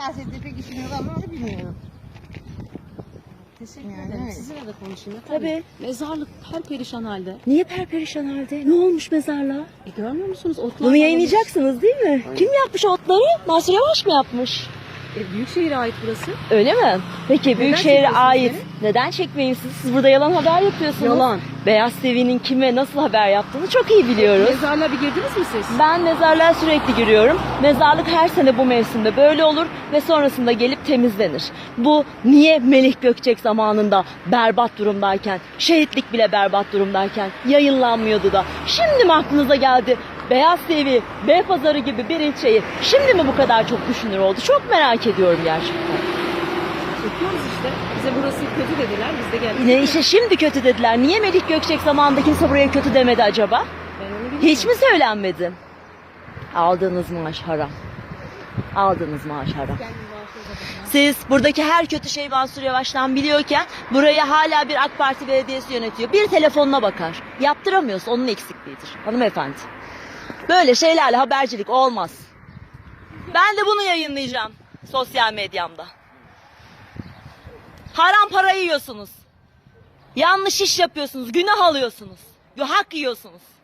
Siyasette pek işim yok ama onu bilmiyorum. Teşekkür Yani ederim. öyle. Sizinle de konuşayım. Tabii. Mezarlık perperişan halde. Niye perperişan halde? Ne olmuş mezarlığa? Görmüyor musunuz? Otlar Bunu yayınlayacaksınız değil mi? Kim yapmış otları? Mansur Yavaş mı yapmış? Büyükşehir'e ait burası. Öyle mi? Peki Büyükşehir'e çekiyorsunuz ait. beni? Neden çekmeyin siz? Siz burada yalan haber yapıyorsunuz. Yalan. Beyaz TV'nin kime nasıl haber yaptığını çok iyi biliyoruz. Mezarlığa bir girdiniz mi siz? Ben mezarlığa sürekli giriyorum. Mezarlık her sene bu mevsimde böyle olur ve sonrasında gelip temizlenir. Bu niye Melih Gökçek zamanında berbat durumdayken, şehitlik bile berbat durumdayken yayınlanmıyordu da şimdi mi aklınıza geldi? Beyaz TV, Beypazarı gibi bir ilçeyi şimdi mi bu kadar çok düşünür oldu? Çok merak ediyorum gerçekten. Çekiyoruz işte. Bize burası kötü dediler. Biz de geldik. Yine işte şimdi kötü dediler. Niye Melih Gökçek zamanında kimse buraya kötü demedi acaba? Ben onu bilmiyorum. Hiç mi söylenmedi? Aldığınız maaş haram. Aldığınız maaş haram. Siz buradaki her kötü şey Mansur Yavaş'tan biliyorken burayı hala bir AK Parti belediyesi yönetiyor. Bir telefonuna bakar. Yaptıramıyorsa onun eksikliğidir hanımefendi. Böyle şeylerle habercilik olmaz. Ben de bunu yayınlayacağım sosyal medyamda. Haram para yiyorsunuz. Yanlış iş yapıyorsunuz. Günah alıyorsunuz. Hak yiyorsunuz.